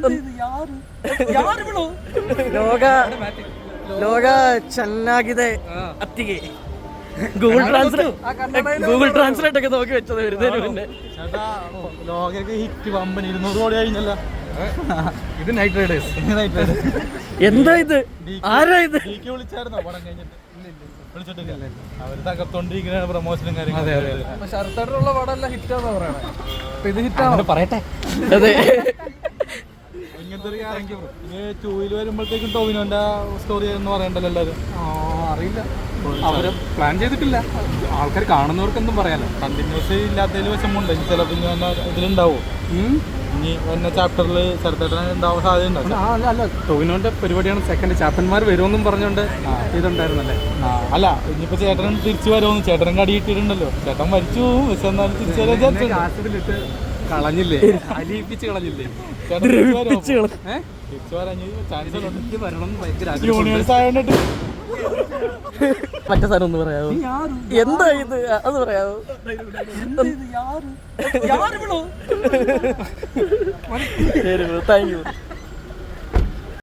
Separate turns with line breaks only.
ಲೋಗ ಚೆನ್ನಾಗಿದೆ ಅತ್ತಿಗೆ. Google translate ഒക്കെ നോക്കി വെച്ചത് വരുന്നതിന് മുന്നേ.
ലോകയ്ക്ക് ഹിറ്റ് വമ്പൻ 200 കോടി കഴിഞ്ഞല്ല.
ഇത് നൈറ്റ് റൈഡേഴ്സ്.
എന്താ ഇത്? ആരാ ഇത്?
വിളിച്ചായിരുന്നോ പടം കഴിഞ്ഞിട്ട്? വിളിച്ചിട്ടില്ല. അവര് തകർത്തോണ്ടിരിക്കുന്ന പ്രൊമോഷനും കാര്യങ്ങളും.
ശരത്തേട്ടനുള്ള പടമല്ല ഹിറ്റാന്ന് പറയണേ. അപ്പൊ ഇത് ഹിറ്റാണ് പറയട്ടെ.
അതെ,
ഇങ്ങനത്തെ ഒരു ക്യാരക്ടർ ഇനി 2 വരുമ്പോഴത്തേക്കും ടോവിനോന്റെ സ്റ്റോറി എന്ന് പറയണ്ടല്ലോ എല്ലാവരും.
അറിയില്ല, അവര് പ്ലാൻ ചെയ്തിട്ടില്ല. ആൾക്കാർ കാണുന്നവർക്കെന്തും പറയാലോ.
കണ്ടിന്യൂസ് ഇല്ലാത്തതിൽ വിഷമമുണ്ട്. ചിലപ്പോൾ ഇനി ഇതിലുണ്ടാവും. ഇനി വന്ന ചാപ്റ്ററിൽ ചെറുത്തേട്ടൻ ഉണ്ടാവാൻ സാധ്യതയുണ്ടാവും.
അല്ല, ടോവിനോന്റെ പരിപാടിയാണ്. സെക്കൻഡ് ചാപ്പന്മാർ വരുമെന്നും പറഞ്ഞോണ്ട് ഇതുണ്ടായിരുന്നല്ലേ.
അല്ല, ഇനിയിപ്പോ ചേട്ടൻ തിരിച്ചു വരുമെന്ന്. ചേട്ടനും കടി കിട്ടിയിട്ടുണ്ടല്ലോ. ചേട്ടൻ മരിച്ചു പക്ഷെ എന്നാലും തിരിച്ചു വരാൻ
ആസിഡിലിട്ട് കളഞ്ഞില്ലേ, അലിയിപ്പിച്ച് കളഞ്ഞില്ലേ.
തിരിച്ചു വരാൻ ചാൻസ്
എനിക്ക് വരണം ഭയങ്കര
യൂണിവേഴ്സ് ആയതുകൊണ്ട്.
മറ്റേ സാധനം ഒന്ന് പറയാവോ? എന്താ ഇത്? അത് പറയാവോ? Thank U.